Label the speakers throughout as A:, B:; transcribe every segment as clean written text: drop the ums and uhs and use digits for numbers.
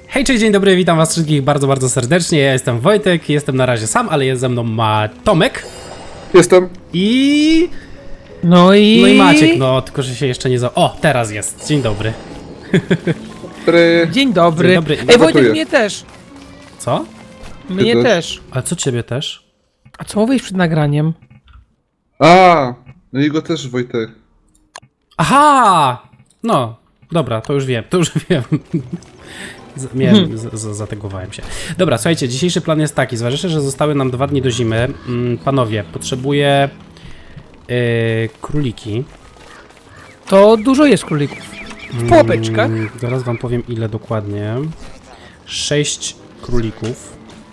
A: Hej, cześć, dzień dobry, witam was wszystkich bardzo, bardzo serdecznie. Ja jestem Wojtek, jestem na razie sam, ale jest ze mną Tomek.
B: Jestem.
A: I...
C: No i
A: Maciek, no, tylko że się jeszcze nie O, teraz jest, dzień dobry.
C: Dzień dobry.
A: Dzień dobry.
C: Ej, Wojtek,
B: Gotuję.
C: mnie też.
A: Co?
C: Mnie
B: też.
C: też.
A: Ale co ciebie też?
C: A co mówisz przed nagraniem?
B: A, no i go też Wojtek.
A: Aha! No, dobra, to już wiem. Zategowałem się. Dobra, słuchajcie, dzisiejszy plan jest taki. Zważywszy, że zostały nam 2 dni do zimy. Panowie, potrzebuję króliki.
C: To dużo jest królików. W pułapeczkach.
A: Zaraz wam powiem ile dokładnie. 6 królików.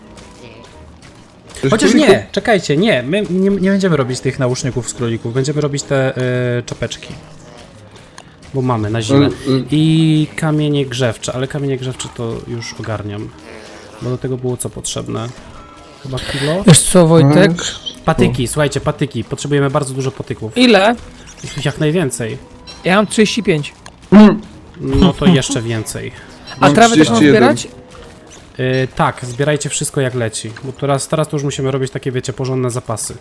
B: Coś
A: Chociaż
B: królików?
A: nie, czekajcie, nie. My nie będziemy robić tych nauszników z królików. Będziemy robić te czapeczki. Bo mamy na zimę. I kamienie grzewcze, ale kamienie grzewcze to już ogarniam. Bo do tego było co potrzebne? Chyba kilo?
C: Wiesz co, Wojtek?
A: Patyki, słuchajcie, patyki. Potrzebujemy bardzo dużo patyków.
C: Ile?
A: Jak najwięcej.
C: Ja mam 35.
A: No to jeszcze więcej.
C: A
B: Mam
C: trawę też mam
B: 31.
C: zbierać?
A: Tak, zbierajcie wszystko jak leci. Bo teraz to już musimy robić takie, wiecie, porządne zapasy.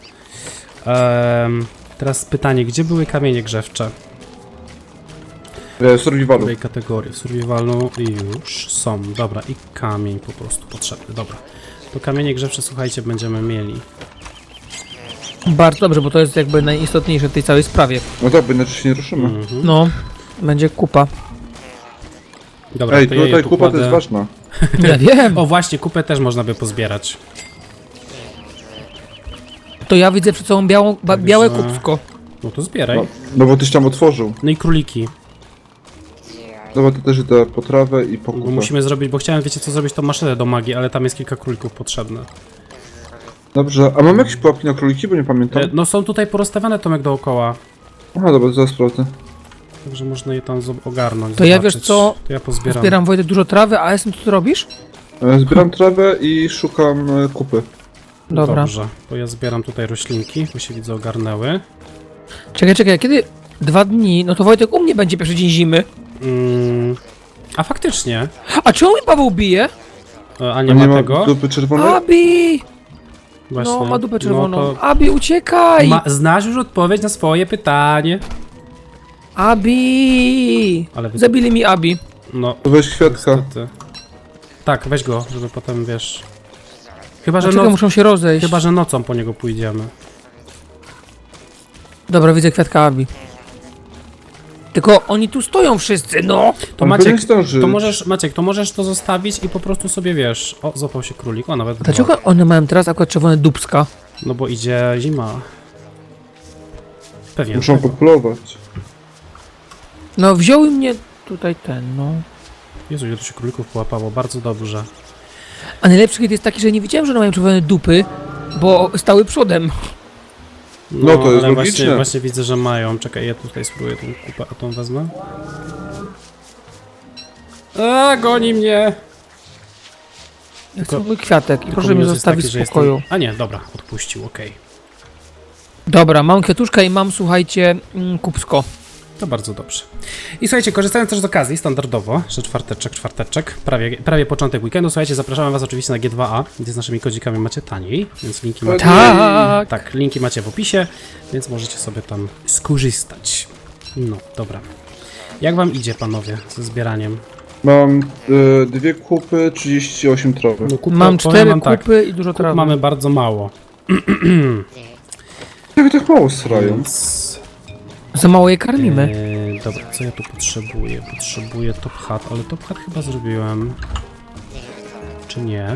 A: Teraz pytanie, gdzie były kamienie grzewcze? W
B: Survivalu.
A: której kategorii? W survivalu już są. Dobra, i kamień po prostu potrzebny. Dobra. To kamienie grzewcze, słuchajcie, będziemy mieli.
C: Bardzo dobrze, bo to jest jakby najistotniejsze w tej całej sprawie.
B: No tak, bo inaczej się nie ruszymy.
C: No, będzie kupa.
A: Dobra,
B: Ej,
A: to ja je
B: tutaj
A: tu
B: kupa to
A: kładę.
B: jest ważna.
C: Ja wiem.
A: O, właśnie, kupę też można by pozbierać.
C: To ja widzę przed sobą białe kubsko.
A: No to zbieraj.
B: No bo tyś tam otworzył.
A: No i króliki.
B: Dobra, to też tę potrawę i
A: Bo
B: pokupę.
A: musimy zrobić, bo chciałem, wiecie co, zrobić tą maszynę do magii, ale tam jest kilka królików potrzebne.
B: Dobrze, a mamy jakieś pułapki na króliki, bo nie pamiętam.
A: No są tutaj porozstawione, Tomek, dookoła.
B: Aha, dobra, zaraz sprawdzę.
A: Także można je tam ogarnąć.
C: To ja,
A: zobaczyć.
C: wiesz co,
A: To ja pozbieram.
C: Zbieram, Wojtek, dużo trawy, a Esen, co ty robisz?
B: Zbieram trawę i szukam kupy.
C: Dobra.
A: Dobrze, bo ja zbieram tutaj roślinki, bo się widzę ogarnęły.
C: Czekaj, kiedy 2 dni, no to Wojtek u mnie będzie pierwszy dzień zimy.
A: A faktycznie.
C: A czemu mi Paweł bije?
A: A nie ma tego?
B: dupy czerwonej?
C: Abi!
A: Właśnie.
C: No, ma dupę czerwoną.
A: No to
C: Abi, uciekaj!
A: znasz już odpowiedź na swoje pytanie.
C: Abi!
A: Ale wy...
C: Zabili mi Abi.
A: No,
B: To weź kwiatka.
A: niestety. Tak, weź go, żeby potem, wiesz... Chyba, że,
C: Dlaczego muszą się rozejść?
A: Chyba, że nocą po niego pójdziemy.
C: Dobra, widzę kwiatka Abi. Tylko oni tu stoją wszyscy, no!
A: To
B: On
A: Maciek,
B: powinien zdążyć.
A: to możesz, Maciek, to możesz to zostawić i po prostu sobie, wiesz... O, złapał się królik, o, nawet dwa.
C: Dlaczego one mają teraz akurat czerwone dupska?
A: No bo idzie zima. Pewnie.
B: Muszą populować.
C: No, wziął mnie tutaj ten, no.
A: Jezu, ile tu się królików połapało, bardzo dobrze.
C: A najlepszy hit jest taki, że nie widziałem, że one mają czerwone dupy, bo stały przodem.
B: No, to jest
A: ale
B: logiczne.
A: właśnie widzę, że mają. Czekaj, ja tutaj spróbuję tą kupę, a tą wezmę. A, goni mnie!
C: Ja chcę mój kwiatek i proszę mnie
A: minus jest
C: zostawić
A: taki, że
C: w spokoju.
A: Jestem... A nie, dobra, odpuścił, okej.
C: Dobra, mam kwiatuszka i mam, słuchajcie, kubsko.
A: To bardzo dobrze. I słuchajcie, korzystając też z okazji, standardowo, że czwarteczek, prawie początek weekendu, słuchajcie, zapraszamy was oczywiście na G2A, gdzie z naszymi kodzikami macie taniej, więc linki macie...
C: Tak!
A: Tak, linki macie w opisie, więc możecie sobie tam skorzystać. No, dobra. Jak wam idzie, panowie, ze zbieraniem?
B: Mam 2 kupy, 38 trawy.
A: No, kupy,
C: Mam
A: powiem
C: 4
A: wam tak,
C: kupy i dużo trawy.
A: mamy bardzo mało,
B: Jak tak mało srają?
A: więc...
C: Za mało je karmimy.
A: Dobra, co ja tu potrzebuję? Potrzebuję top hat, ale top hat chyba zrobiłem. Czy nie?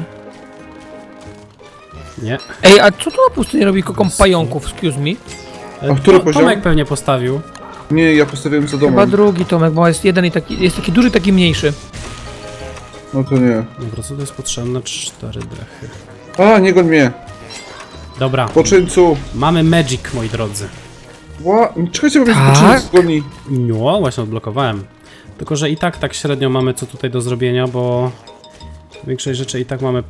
A: Nie.
C: Ej, a co tu na pustyni robi kokom pająków, excuse me?
B: A który poziom?
A: Tomek pewnie postawił.
B: Nie, ja postawiłem za
C: Chyba
B: domem.
C: drugi Tomek, bo jest jeden i taki, jest taki duży, taki mniejszy.
B: No to nie.
A: Dobra, co to jest potrzebne? 4 dechy.
B: A, nie goń mnie.
A: Dobra,
B: Poczyńcu.
A: mamy magic, moi drodzy.
B: Czekajcie, bo mnie
C: Tak?
B: poczyńcu zgoni.
A: No, właśnie odblokowałem. Tylko, że i tak średnio mamy co tutaj do zrobienia, bo większość rzeczy i tak mamy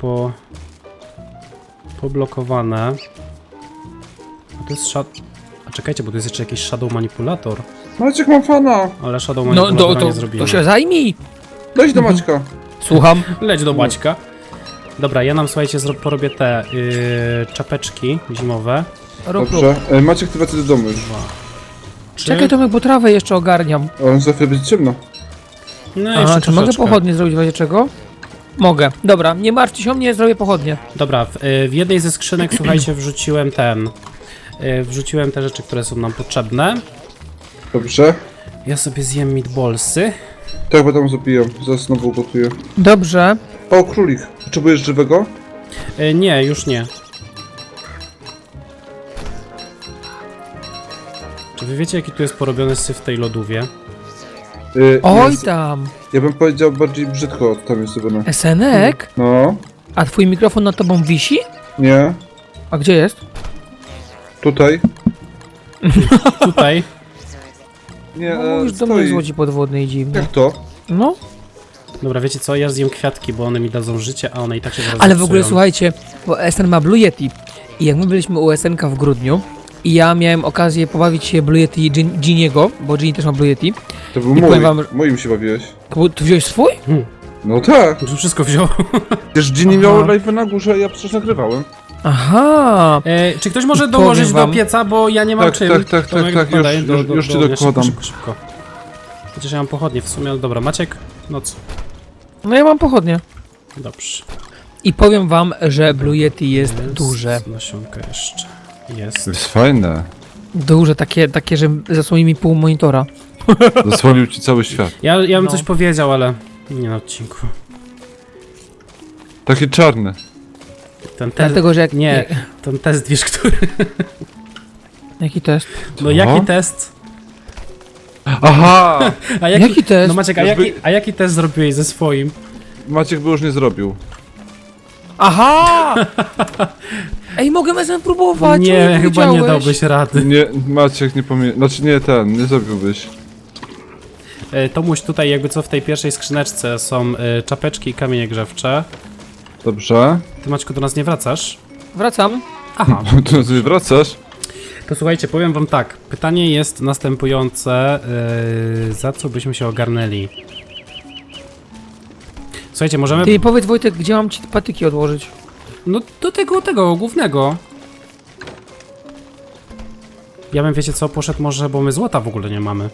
A: poblokowane. A to jest A czekajcie, bo to jest jeszcze jakiś shadow manipulator.
B: Maciek, mam fana.
A: Ale shadow
C: No,
A: manipulatora nie
C: to
A: zrobimy.
C: się zajmij!
B: Daj do Maćka.
C: Słucham.
A: Leć do Maćka. Dobra, ja nam, słuchajcie, porobię te czapeczki zimowe.
C: Rób.
B: Dobrze. Maciek, ty wracaj do domu już.
C: Czekaj Tomek, bo trawę jeszcze ogarniam.
B: O, za chwilę będzie ciemno.
A: No
C: A,
A: jeszcze
C: czy mogę
A: troszeczkę.
C: pochodnie zrobić w razie czego? Mogę. Dobra, nie martwcie się o mnie, zrobię pochodnie.
A: Dobra, w jednej ze skrzynek, słuchajcie, wrzuciłem wrzuciłem te rzeczy, które są nam potrzebne.
B: Dobrze.
A: Ja sobie zjem meatballsy.
B: Tak, bo tam zabijam. Zaraz znowu gotuję.
C: Dobrze.
B: O, królik. Potrzebujesz żywego?
A: Nie, już nie. Czy wy wiecie, jaki tu jest porobiony syf w tej lodówie?
C: Oj
B: jest,
C: tam.
B: ja bym powiedział bardziej brzydko, tam jest zrobione.
C: Esenek?
B: No,
C: A twój mikrofon nad tobą wisi?
B: nie.
C: A gdzie jest?
B: Tutaj.
A: Tutaj.
B: Nie,
C: No, już do mnie
B: stoi.
C: z łodzi podwodnej dziwnie.
B: Jak to?
C: No.
A: Dobra, wiecie co? Ja zjem kwiatki, bo one mi dadzą życie, a one i tak się zaraz
C: Ale w ogóle
A: zepsują.
C: słuchajcie, bo SN ma Blue Yeti. I jak my byliśmy u SNK w grudniu i ja miałem okazję pobawić się Blue Yeti Giniego, bo Gini też ma Blue Yeti.
B: To był
C: I
B: mój.
C: powiem wam,
B: Moim się bawiłeś.
C: Ty wziąłeś swój?
B: No tak.
A: Już wszystko wziął.
B: Przecież Ginny
C: Aha.
B: miał live na górze, ja przecież nagrywałem.
C: Aha.
A: Czy ktoś może
C: Powiem
A: dołożyć do
C: wam-
A: pieca, bo ja nie mam
B: Tak,
A: czym.
B: tak,
A: Tomek,
B: tak,
A: podaj
B: już ci
A: ognia.
B: dokładam.
A: Szybko. Chociaż ja mam pochodnie w sumie, ale dobra. Maciek? No co?
C: No ja mam pochodnie.
A: Dobrze.
C: I powiem wam, że Blue Yeti jest duże.
A: Nasionka jeszcze. Jest.
D: To jest fajne.
C: Duże, takie, że zasłoni mi pół monitora.
D: Zasłonił ci cały świat.
A: Ja bym
C: No.
A: coś powiedział, ale nie na odcinku.
D: Takie czarne.
A: Ten test...
C: Dlatego, że jak...
A: Nie, ten test, wiesz, który...
C: Jaki test?
A: No jaki test?
D: Aha!
A: A
C: Jaki test?
A: No Maciek, a jaki test zrobiłeś ze swoim?
D: Maciek by już nie zrobił.
C: Aha! Ej, mogę SN próbować,
A: Nie, chyba nie
C: powiedziałeś.
A: dałbyś rady.
D: Nie, Maciek nie pomie... Znaczy nie nie zrobiłbyś.
A: Tomuś, tutaj jakby co w tej pierwszej skrzyneczce są czapeczki i kamienie grzewcze.
D: Dobrze.
A: Ty, Maćku, do nas nie wracasz?
C: Wracam.
A: Aha.
D: Tu sobie wracasz?
A: To słuchajcie, powiem wam tak. Pytanie jest następujące. Za co byśmy się ogarnęli? Słuchajcie, możemy...
C: Ty powiedz Wojtek, gdzie mam ci patyki odłożyć?
A: No do tego głównego. Ja bym, wiecie co, poszedł może, bo my złota w ogóle nie mamy.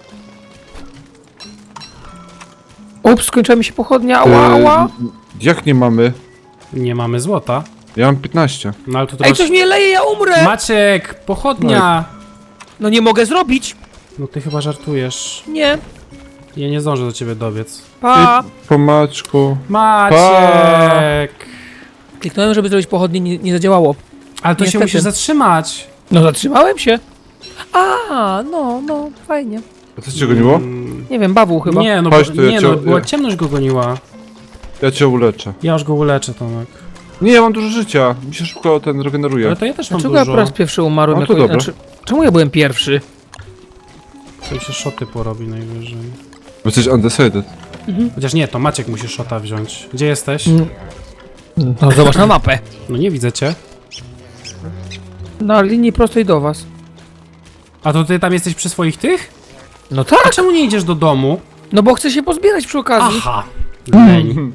C: Ups, skończyła mi się pochodnia, ała, ała.
D: Jak nie mamy?
A: Nie mamy złota.
D: Ja mam 15.
A: No ale tu
C: Ej,
A: masz...
C: coś mnie leje, ja umrę!
A: Maciek, pochodnia!
C: No nie mogę zrobić.
A: No ty chyba żartujesz.
C: Nie.
A: Ja nie zdążę do ciebie dobiec.
C: Pa.
D: Po Maćku.
A: Maciek!
C: Kliknąłem, żeby zrobić pochodnie, nie zadziałało.
A: Ale to się
C: Niestety.
A: musisz zatrzymać.
C: No zatrzymałem się. A, no, fajnie.
D: A co cię goniło?
C: Nie wiem, bawu chyba.
A: Nie, no,
D: Chodź tu, ja
A: nie,
D: cię-
A: no, była
D: ja-
A: ciemność go goniła.
D: Ja cię uleczę.
A: Ja już go uleczę, Tomek.
D: Nie, ja mam dużo życia. Mi się szybko ten regeneruje.
A: Ale to ja też mam
C: Dlaczego ja po
A: dużo.
C: raz pierwszy umarłem?
D: No to
C: jako-
D: dobra.
C: czemu ja byłem pierwszy?
A: To się szoty porobi najwyżej.
D: Bo jesteś undecided.
A: Chociaż nie, to Maciek musi szota wziąć. Gdzie jesteś?
C: No zobacz na mapę.
A: No nie widzę cię.
C: Na linii prostej do was.
A: A to ty tam jesteś przy swoich tych?
C: No
A: A
C: tak,
A: czemu nie idziesz do domu?
C: no bo chcę się pozbierać przy okazji.
A: Aha. Leń.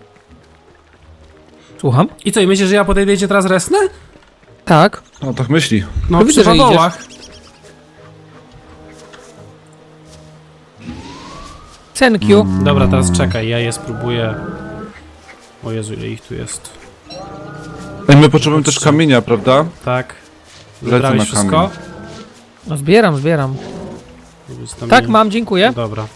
C: Słucham?
A: I co, i myślisz, że ja podejdę i cię teraz resnę?
C: Tak.
D: No tak myśli.
A: No
C: No widzę,
A: przy
C: że
A: padołach.
C: Thank you.
A: Dobra, teraz czekaj, ja je spróbuję. O Jezu, ile ich tu jest.
D: Ej, my potrzebujemy też kamienia, prawda?
A: Tak.
D: Lecę
A: Zebrałeś
D: na
A: wszystko?
D: kamień.
C: No zbieram.
A: Jest tam
C: Tak,
A: nie-
C: mam, dziękuję.
A: Dobra.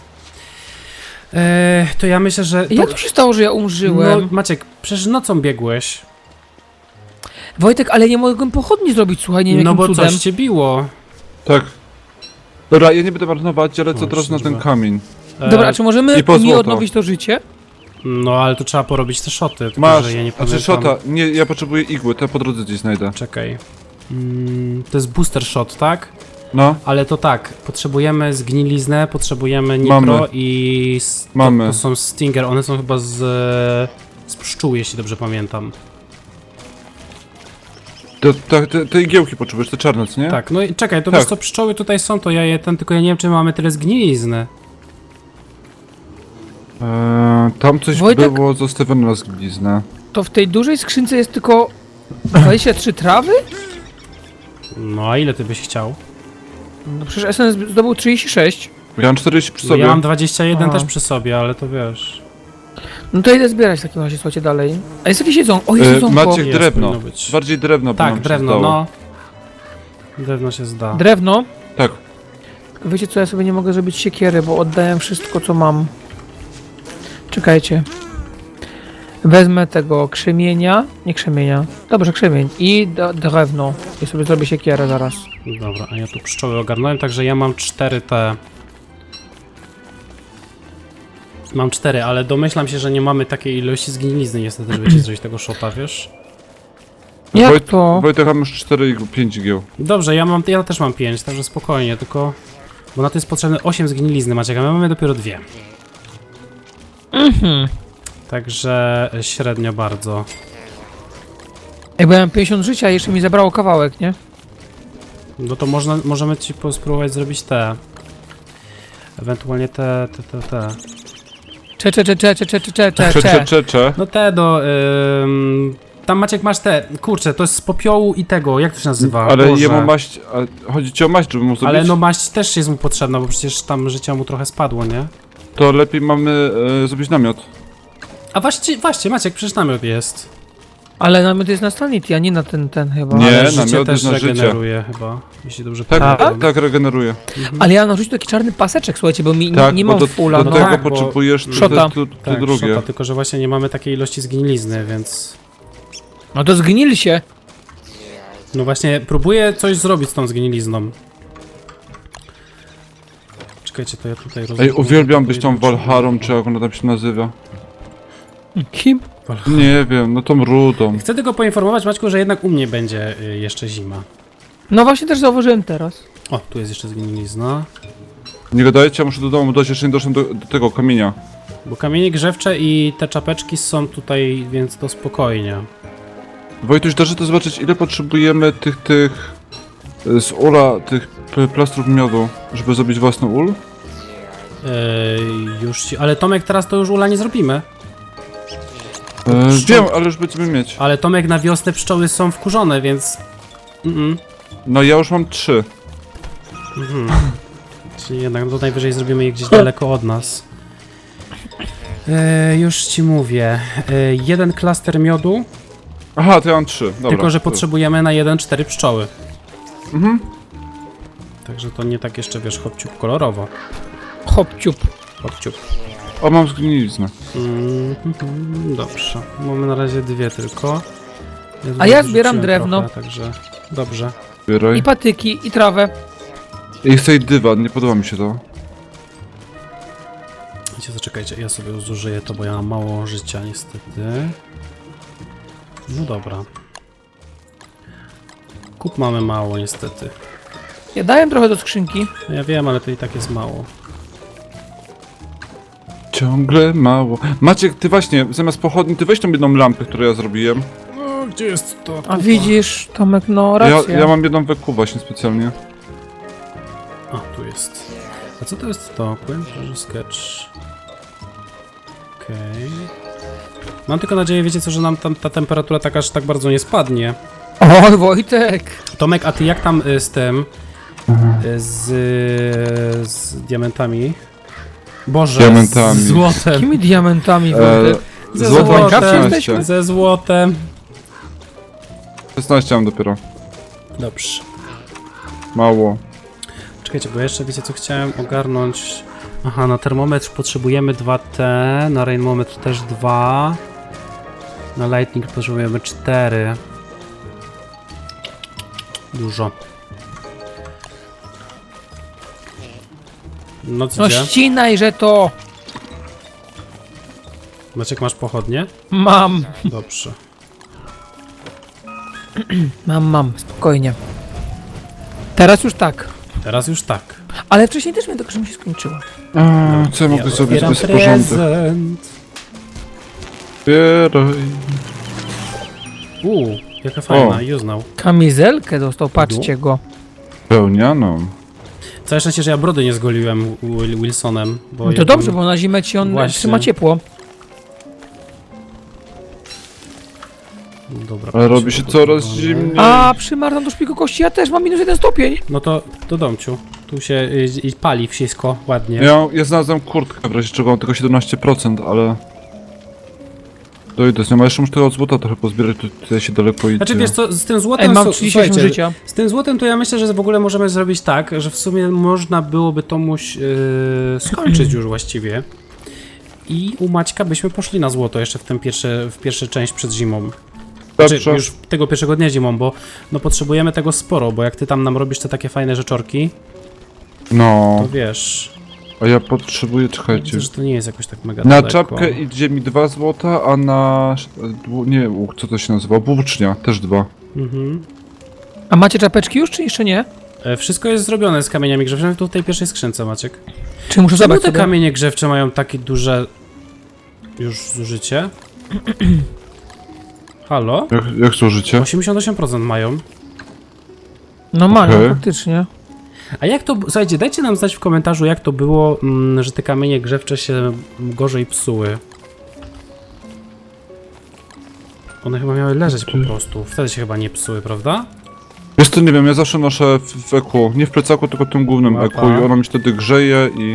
A: To ja myślę, że...
C: Jak to się stało, że ja umrzyłem?
A: No, Maciek, przecież nocą biegłeś.
C: Wojtek, ale nie mogłem pochodni zrobić, słuchaj, nie wiem
A: No
C: jakim
A: bo
C: cudem.
A: coś cię biło.
D: Tak. Dobra, ja nie będę marnować, ale co
A: O,
D: teraz na ten
A: służba.
D: kamień.
C: Dobra, a czy możemy
D: i po
C: mi
D: złoto.
C: odnowić to życie?
A: No ale tu trzeba porobić te szoty, tylko
D: Masz,
A: że ja nie
D: znaczy
A: pamiętam.
D: shota. Nie, ja potrzebuję igły, to ja po drodze gdzieś znajdę.
A: Czekaj. To jest booster shot, tak?
D: No,
A: Ale to tak, potrzebujemy zgniliznę, potrzebujemy nitro
D: Mamy.
A: i...
D: Mamy.
A: To są stinger, one są chyba z pszczół, jeśli dobrze pamiętam.
D: te igiełki potrzebujesz, te czarne, co nie?
A: Tak, no i czekaj, to
D: Tak.
A: wiesz co, pszczoły tutaj są, to ja je tylko ja nie wiem, czy mamy tyle zgnilizny.
D: Tam coś
C: Wojtek?
D: było zostawione na zgliznę.
C: To w tej dużej skrzynce jest tylko 23 trawy?
A: No a ile ty byś chciał?
C: No przecież SN zdobył 36.
D: Ja mam 40 przy
A: No
D: sobie.
A: ja mam 21
C: Aha.
A: też przy sobie, ale to wiesz.
C: No to idę zbierać w takim razie, słuchajcie, dalej. A jest jakieś jedzonko? O, jest jedzonko.
D: Maciek,
A: Jest,
D: drewno.
A: powinno być.
D: Bardziej drewno, bo nam
A: Tak,
D: się
A: drewno,
D: zdało.
A: no. Drewno się zda.
C: Drewno.
D: Tak.
C: Tylko wiecie co, ja sobie nie mogę zrobić siekiery, bo oddałem wszystko, co mam. Czekajcie. Wezmę tego krzemienia. Nie krzemienia. Dobrze, krzemień. I drewno. I sobie zrobię siekierę zaraz.
A: Dobra, a ja tu pszczoły ogarnąłem, także ja mam 4 te... Mam 4, ale domyślam się, że nie mamy takiej ilości zgnilizny niestety, żeby ci zrobić tego shota, wiesz?
C: Jak to?
D: Wojtek, mam już 4 i 5 gieł.
A: Dobrze, ja też mam 5, także spokojnie, tylko... Bo na to jest potrzebne 8 zgnilizny, Maciek, a my mamy dopiero 2. Także średnio bardzo.
C: Jakby miałem 50 życia i jeszcze mi zabrało kawałek, nie?
A: No to możemy ci spróbować zrobić te... Ewentualnie te...
D: Cze.
A: No te do... tam Maciek masz te... Kurczę, to jest z popiołu i tego, jak to się nazywa?
D: Ale
A: Boże.
D: jemu maść... Chodzi ci o maść, żeby mu zrobić?
A: Ale no maść też jest mu potrzebna, bo przecież tam życia mu trochę spadło, nie?
D: To lepiej mamy zrobić namiot.
A: A właśnie Maciek, przecież namiot jest.
C: Ale namiot jest na Sanity, a nie na ten chyba.
D: Nie,
A: Ale życie
D: namiot
A: też
D: jest na życie.
A: regeneruje chyba, jeśli dobrze
D: Tak,
A: pamiętam.
D: tak regeneruje.
C: Ale ja mam narzucić taki czarny paseczek, słuchajcie, bo mi
D: Tak,
C: nie
D: bo
C: mam fulla,
D: do
C: no.
D: tego
A: tak, bo-
D: potrzebujesz
C: Szota.
D: te
A: Tak,
D: drugie.
A: szota, tylko że właśnie nie mamy takiej ilości zgnilizny, więc...
C: No to zgnili się.
A: No właśnie, próbuję coś zrobić z tą zgnilizną. Czekajcie, to ja tutaj
D: Ej, uwielbiam być tą Walharą, czy jak ona tam się nazywa.
C: Kim?
D: Nie wiem, no tą rudą.
A: Chcę tylko poinformować, Maćku, że jednak u mnie będzie jeszcze zima.
C: No właśnie też zauważyłem teraz.
A: O, tu jest jeszcze zgnilizna.
D: Nie gadajcie, ja muszę do domu dojść, jeszcze nie doszedłem do tego kamienia.
A: Bo kamienie grzewcze i te czapeczki są tutaj, więc to spokojnie.
D: Wojtuś, dasz to zobaczyć, ile potrzebujemy tych z ula, tych plastrów miodu, żeby zrobić własny ul?
A: Już ci... Ale Tomek, teraz to już ula nie zrobimy.
D: Wiem, ale już będziemy mieć.
A: Ale Tomek, na wiosnę pszczoły są wkurzone, więc...
D: No ja już mam 3.
A: Czyli jednak no to najwyżej zrobimy je gdzieś daleko od nas. Już ci mówię. Jeden klaster miodu,
D: Aha, to ja mam 3, dobra.
A: tylko że potrzebujemy na 1-4 pszczoły. Także to nie tak jeszcze, wiesz, hopciup kolorowo.
C: Hopciup.
A: Hopciup.
D: O, mam zgniliznę.
A: Dobrze. Mamy na razie 2 tylko.
C: A ja
A: zrzuciłem
C: zbieram drewno.
A: trochę, także dobrze.
D: Zbieraj.
C: I patyki, i trawę.
D: I chcę i dywan, nie podoba mi się to.
A: Wiecie, zaczekajcie, ja sobie zużyję to, bo ja mam mało życia niestety. No dobra. Kup mamy mało niestety.
C: Ja dałem trochę do skrzynki.
A: No ja wiem, ale to i tak jest mało.
D: Ciągle mało. Maciek, ty właśnie, zamiast pochodni, ty weź tą jedną lampę, którą ja zrobiłem.
A: No, gdzie jest to?
C: A widzisz, Tomek, no racja.
D: Ja mam jedną weku właśnie specjalnie.
A: A, tu jest. A co to jest to? Quench sketch. Okej. Mam tylko nadzieję, wiecie co, że nam tam ta temperatura tak aż tak bardzo nie spadnie.
C: Oj, Wojtek.
A: Tomek, a ty jak tam z tym? Z diamentami? Boże,
D: Diamentami.
A: z złotem.
C: Jakimi diamentami, Wojtek?
A: Ze
D: Złoto mam
C: Minecraft
D: 16.
C: jesteśmy?
A: Ze złotem.
D: 16 mam dopiero.
A: Dobrze.
D: Mało.
A: Czekajcie, bo jeszcze wiecie co chciałem ogarnąć. Aha, na termometr potrzebujemy 2T, na rainmometr też 2. Na lightning potrzebujemy 4. Dużo. No co
C: No
A: gdzie?
C: ścinaj, że to
A: Maciek, masz pochodnie?
C: mam.
A: Dobrze.
C: Mam, spokojnie. Teraz już tak.
A: Teraz już tak.
C: Ale wcześniej też miałem tylko, że mi się skończyło.
D: Co ja mogę zrobić
A: otwieram
D: bez porządek?
A: prezent.
D: Zbieraj.
A: Jaka fajna, i uznał.
C: Kamizelkę dostał, patrzcie go.
D: Pełnianą.
A: Całe szczęście, że ja brody nie zgoliłem Wilsonem. Bo
C: No to
A: jakbym-
C: dobrze, bo na zimę ci on
A: Właśnie.
C: trzyma ciepło.
A: Dobra.
D: Ale robi
A: proszę,
D: się
A: to
D: coraz
A: podglądamy.
D: zimniej.
C: A, przymarzam do szpiku kości, ja też mam -1 stopień.
A: No to do domciu. Tu się pali wszystko ładnie.
D: Ja znalazłem kurtkę, w razie czego mam tylko 17%, ale... Dojdę z nią, a jeszcze muszę tego od złota trochę pozbierać, tutaj się daleko idzie.
A: Znaczy wiesz co, z tym złotem...
C: Ej, mam
A: su-
C: 38
A: słuchajcie,
C: życia.
A: Z tym złotem to ja myślę, że w ogóle możemy zrobić tak, że w sumie można byłoby Tomuś skończyć już właściwie. I u Maćka byśmy poszli na złoto jeszcze w pierwszą część przed zimą. Znaczy,
D: Dobrze.
A: już tego pierwszego dnia zimą, bo no potrzebujemy tego sporo, bo jak ty tam nam robisz te takie fajne rzeczorki,
D: No,
A: to wiesz,
D: a ja potrzebuję, czekajcie.
A: widzę, że to nie jest jakoś tak mega
D: Na
A: daleko.
D: czapkę idzie mi 2 złota, a na... nie, co to się nazywa? Włócznia, też 2.
A: Mhm.
C: A macie czapeczki już, czy jeszcze nie?
A: Wszystko jest zrobione z kamieniami grzewczymi, tu w tej pierwszej skrzynce, Maciek.
C: Czy muszę
A: Czemu
C: zabrać
A: te
C: sobie?
A: kamienie grzewcze mają takie duże już zużycie? Halo?
D: Jak służycie?
A: 88% mają.
C: No mają,
D: Okej.
C: faktycznie.
A: A jak to... Słuchajcie, dajcie nam znać w komentarzu, jak to było, że te kamienie grzewcze się gorzej psuły. One chyba miały leżeć po prostu. Wtedy się chyba nie psuły, prawda?
D: Wiesz co, nie wiem, ja zawsze noszę w eku, nie w plecaku, tylko tym głównym
A: Mapa.
D: eku i ono mi wtedy grzeje i...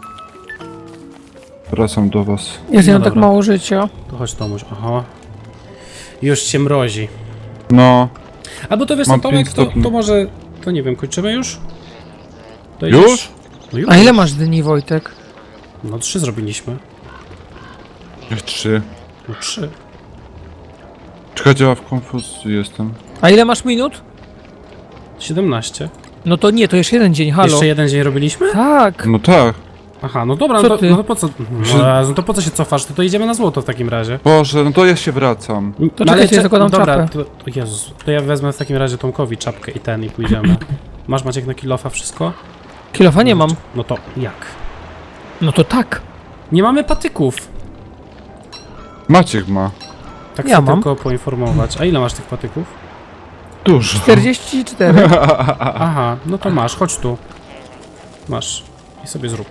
D: Wracam do was.
C: Jest
A: No
C: ja tak
A: dobra.
C: mało życia.
A: To chodź Tomuś, aha. Już się mrozi.
D: No,
A: Albo to wiesz
D: Mam
A: co, Tomek,
D: 5
A: to
D: stopni.
A: może... To nie wiem, kończymy już? To
D: już?
A: idziesz? No już.
C: A ile masz dni, Wojtek?
A: No 3 zrobiliśmy.
D: Jak 3.
A: No 3.
D: Czekajcie, ja w konfuzji jestem.
C: A ile masz minut?
A: 17.
C: No to nie, to jeszcze jeden dzień, halo.
A: Jeszcze jeden dzień robiliśmy?
C: Tak.
D: No tak.
A: Aha, no dobra,
C: Co
A: no to,
C: ty?
A: no to po co? No to po co się cofasz? To idziemy na złoto w takim razie.
D: Boże, no to ja się wracam.
C: To czekajcie, ja zakładam
A: dobra,
C: czapę.
A: to Jezus, to ja wezmę w takim razie Tomkowi czapkę i ten i pójdziemy. Masz Maciek na kilofa wszystko?
C: Kilofa nie mam.
A: No to jak?
C: No to tak.
A: Nie mamy patyków.
D: Maciek ma.
A: Tak
C: Ja
A: chcę
C: mam.
A: tylko poinformować. A ile masz tych patyków?
D: Dużo.
C: 44.
A: Aha, no to masz, chodź tu. Masz. I sobie zrób.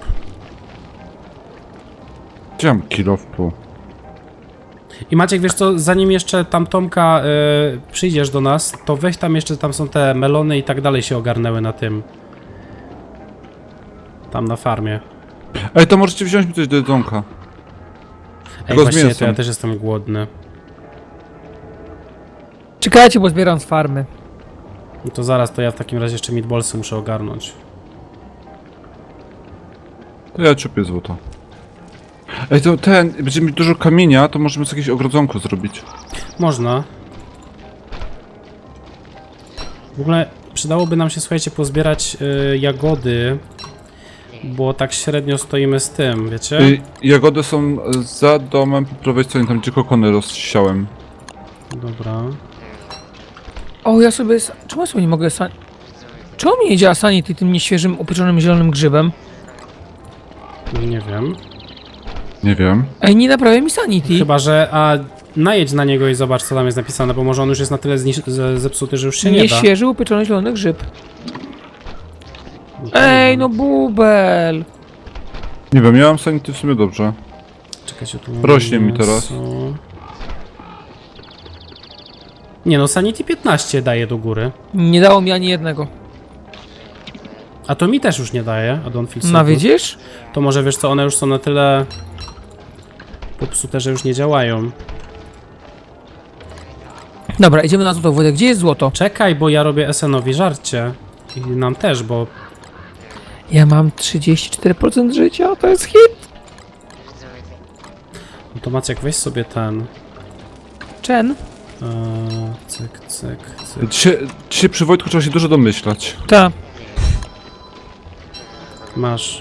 D: Gdzie mam kilo w pół?
A: I Maciek, wiesz co, zanim jeszcze tam Tomka przyjdziesz do nas, to weź tam jeszcze, tam są te melony i tak dalej się ogarnęły na tym. Tam na farmie.
D: Ej, to możecie wziąć mi coś do jedzonka.
A: Ej,
D: Tylko z
A: właściwie to
D: mięsem.
A: ja też jestem głodny.
C: Czekajcie, bo zbieram z farmy.
A: No to zaraz, to ja w takim razie jeszcze meatballsy muszę ogarnąć.
D: To ja ciupię złoto. Ej, to będziemy mieć dużo kamienia, to możemy sobie jakieś ogrodzonko zrobić.
A: Można. W ogóle przydałoby nam się, słuchajcie, pozbierać jagody, bo tak średnio stoimy z tym, wiecie?
D: Jagody są za domem po prawej stronie, tam gdzie kokony rozsiałem.
A: Dobra.
C: O, ja sobie... Czemu ja sobie nie mogę... Czemu mi nie działa Sanity tym nieświeżym, upieczonym zielonym grzybem?
A: Nie wiem.
D: Nie wiem.
C: Ej, nie naprawia mi Sanity.
A: Chyba, że... A najedź na niego i zobacz, co tam jest napisane, bo może on już jest na tyle zepsuty, że już się nie da.
C: Nieświeży, upieczony zielony grzyb. Ej, no bubel.
D: Nie wiem, ja mam sanity w sumie dobrze.
A: Czekajcie, tu
D: Rośnie mi
A: mięso.
D: teraz.
A: Nie no, Sanity 15 daje do góry.
C: Nie dało mi ani jednego.
A: A to mi też już nie daje, a Don't Feel So
C: No
A: Good.
C: widzisz?
A: To może wiesz co, one już są na tyle popsute, że już nie działają.
C: Dobra, idziemy na złoto, Wojtek. Gdzie jest złoto?
A: Czekaj, bo ja robię SN-owi żarcie. I nam też, bo...
C: Ja mam 34% życia, to jest hit.
A: No to Maciek, weź sobie ten...
C: Chen?
A: Cyk, cyk, cyk.
D: Dzisiaj przy Wojtku trzeba się dużo domyślać.
C: Ta.
A: Masz.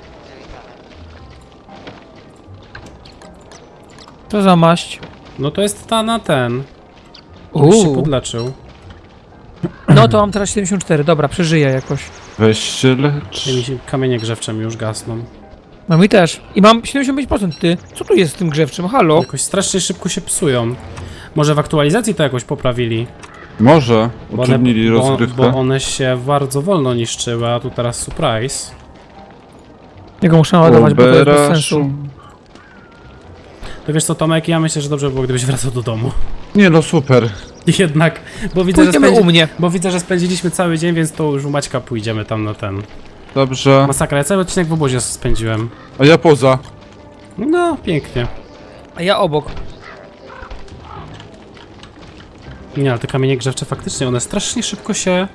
C: Co za maść?
A: No to jest ta na ten. Już się
C: Uuu.
A: podleczył.
C: No to mam teraz 74, dobra, przeżyję jakoś.
D: Weź się lecz.
A: I mi się kamienie grzewcze mi już gasną.
C: No mi też. I mam 75%, ty. Co tu jest z tym grzewczym? Halo?
A: Jakoś strasznie szybko się psują. Może w aktualizacji to jakoś poprawili.
D: Może
A: Bo
D: utrudnili
A: bo
D: rozgrywkę.
A: one się bardzo wolno niszczyły, a tu teraz surprise.
C: Ja go muszę naładować, bo to jest bez sensu.
A: To wiesz co, Tomek, ja myślę, że dobrze by było, gdybyś wracał do domu.
D: Nie no, super.
A: Jednak, bo widzę,
C: Pójdziemy u mnie.
A: bo widzę, że spędziliśmy cały dzień, więc to już u Maćka pójdziemy tam na ten...
D: Dobrze.
A: Masakra, ja cały odcinek w obozie spędziłem.
D: A ja poza.
A: No, pięknie.
C: A ja obok.
A: Nie, ale te kamienie grzewcze faktycznie, one strasznie szybko się...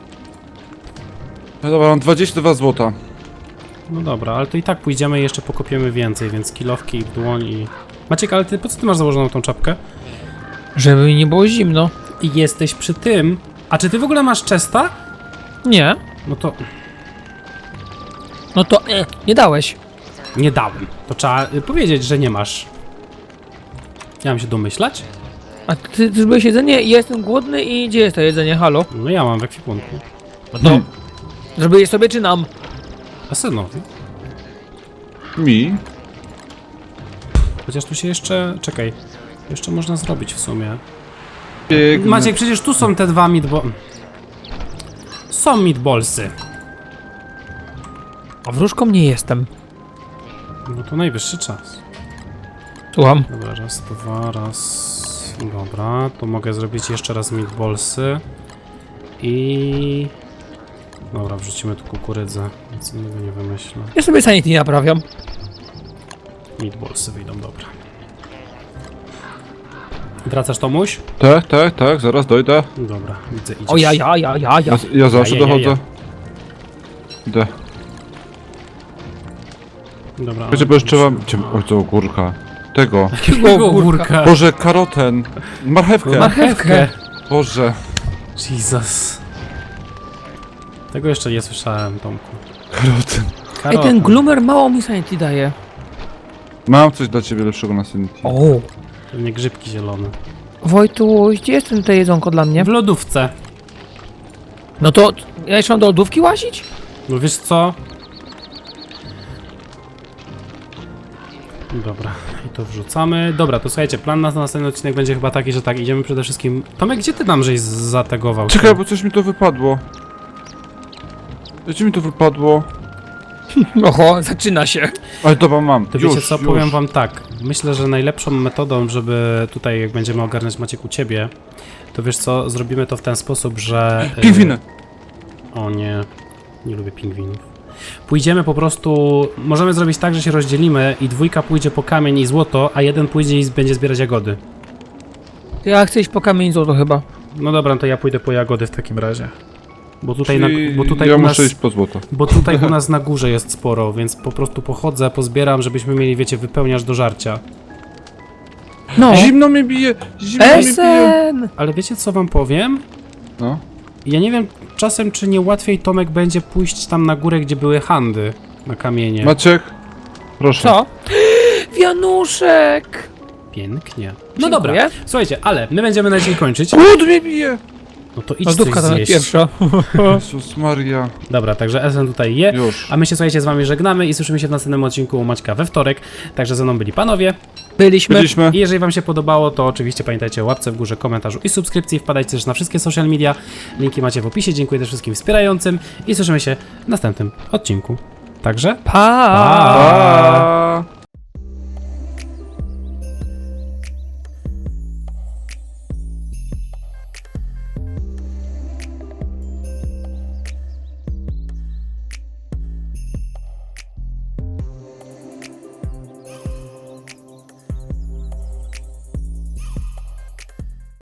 D: No dobra, mam 22 złota.
A: No dobra, ale to i tak pójdziemy i jeszcze pokopiemy więcej, więc kilowki w dłoń i... Maciek, ale ty po co ty masz założoną tą czapkę?
C: Żeby mi nie było zimno.
A: I jesteś przy tym... A czy ty w ogóle masz chesta?
C: Nie.
A: No to...
C: No to nie dałeś.
A: Nie dałem. To trzeba powiedzieć, że nie masz. Ja mam się domyślać?
C: A ty zrobiłeś jedzenie? Ja jestem głodny i gdzie jest to jedzenie? Halo?
A: No ja mam w ekwipunku.
C: No. Zrobiłeś sobie czy nam?
A: A synowi.
D: Mi?
A: Chociaż tu się jeszcze... Czekaj. Jeszcze można zrobić w sumie.
D: Biegnę.
A: Maciek, przecież tu są te dwa Są meatballsy.
C: A wróżką nie jestem.
A: No to najwyższy czas.
C: Słucham.
A: Dobra, raz, dwa, raz... Dobra, to mogę zrobić jeszcze raz meatballsy. I... Dobra, wrzucimy tu kukurydzę. Nic innego nie wymyślę.
C: Ja sobie sanity naprawiam.
A: Meatballsy wyjdą, dobra. Wracasz, Tomuś?
D: Tak, zaraz dojdę.
A: Dobra, widzę, idziesz.
C: O ja.
D: Ja zawsze
A: Ja.
D: dochodzę. Idę.
A: Dobra.
D: Wiecie, bo jeszcze mam... Oj, to ogórka. Tego.
A: Jakiego ogórka?
D: Boże, karoten. Marchewkę.
A: Marchewkę.
D: Boże.
A: Jesus. Tego jeszcze nie słyszałem, Tomku.
D: Karoten.
C: Ej, ten gloomer mało mi sanity daje.
D: Mam coś dla ciebie lepszego na Sanity.
C: O.
A: Pewnie grzybki zielone.
C: Wojtuś, gdzie jest ten to jedzonko dla mnie?
A: W lodówce.
C: No to ja jeszcze mam do lodówki łazić?
A: No wiesz co? Dobra, i to wrzucamy. Dobra, to słuchajcie, plan na następny odcinek będzie chyba taki, że tak, idziemy przede wszystkim... Tomek, gdzie ty nam żeś zategował się?
D: Czekaj, bo coś mi to wypadło. Gdzie mi to wypadło?
C: Oho, zaczyna się.
D: Ale dobra, mam.
A: To
D: Już,
A: wiecie co,
D: już.
A: powiem wam tak. Myślę, że najlepszą metodą, żeby tutaj, jak będziemy ogarniać Maciek u ciebie, to wiesz co, zrobimy to w ten sposób, że...
D: Pingwiny!
A: O nie, nie lubię pingwinów. Pójdziemy po prostu, możemy zrobić tak, że się rozdzielimy i dwójka pójdzie po kamień i złoto, a jeden pójdzie i będzie zbierać jagody.
C: Ja chcę iść po kamień złoto chyba.
A: No dobra, to ja pójdę po jagody w takim razie. Bo tutaj,
D: Czyli
A: bo tutaj
D: ja
A: u nas...
D: muszę iść po złoto.
A: Bo tutaj u nas na górze jest sporo, więc po prostu pochodzę, pozbieram, żebyśmy mieli, wiecie, wypełniasz do żarcia.
C: No.
D: Zimno mnie bije! Zimno mnie bije!
C: Esen!
A: Ale wiecie co wam powiem?
D: No.
A: Ja nie wiem czasem, czy nie łatwiej Tomek będzie pójść tam na górę, gdzie były handy na kamienie.
D: Maciek? Proszę.
C: Co? Wianuszek!
A: Pięknie. No
C: Dziękuję.
A: dobra, słuchajcie, ale my będziemy na dzień kończyć.
D: Głód mnie bije!
A: No to idź coś
C: Lodówka to
A: zjeść.
C: pierwsza.
D: Jezus Maria.
A: Dobra, także Esen tutaj je.
D: Już.
A: A my się, słuchajcie, z wami żegnamy i słyszymy się w następnym odcinku u Maćka we wtorek. Także ze mną byli panowie.
C: Byliśmy.
A: I jeżeli wam się podobało, to oczywiście pamiętajcie o łapce w górze, komentarzu i subskrypcji. Wpadajcie też na wszystkie social media. Linki macie w opisie. Dziękuję też wszystkim wspierającym i słyszymy się w następnym odcinku. Także
C: Pa!
D: Pa!